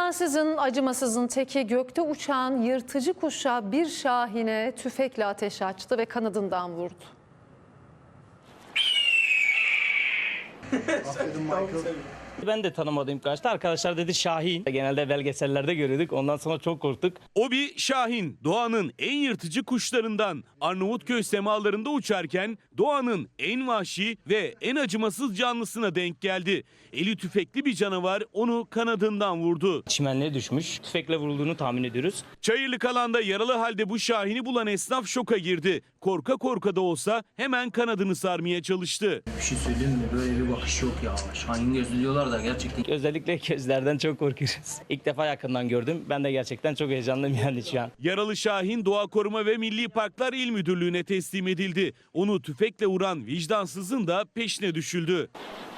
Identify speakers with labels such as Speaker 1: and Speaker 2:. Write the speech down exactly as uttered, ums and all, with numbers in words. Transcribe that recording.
Speaker 1: Vicdansızın, acımasızın teki gökte uçan yırtıcı kuşa bir şahine tüfekle ateş açtı ve kanadından vurdu.
Speaker 2: Ben de tanımadığım kaçtı. Arkadaşlar dedi Şahin. Genelde belgesellerde görüyorduk. Ondan sonra çok korktuk.
Speaker 3: O bir şahin, doğanın en yırtıcı kuşlarından. Arnavutköy semalarında uçarken doğanın en vahşi ve en acımasız canlısına denk geldi. Eli tüfekli bir canavar onu kanadından vurdu.
Speaker 2: Çimenliğe düşmüş. Tüfekle vurulduğunu tahmin ediyoruz.
Speaker 3: Çayırlık alanda yaralı halde bu şahini bulan esnaf şoka girdi. Korka korka da olsa hemen kanadını sarmaya çalıştı.
Speaker 4: Bir şey söyleyeyim mi? Böyle bir bakış yok ya. Şahin gözlü diyorlar da gerçekten.
Speaker 2: Özellikle gözlerden çok korkuyoruz. İlk defa yakından gördüm. Ben de gerçekten çok heyecanlıyım yani şu an.
Speaker 3: Yaralı şahin Doğa Koruma ve Milli Parklar İl Müdürlüğü'ne teslim edildi. Onu tüfekle vuran vicdansızın da peşine düşüldü.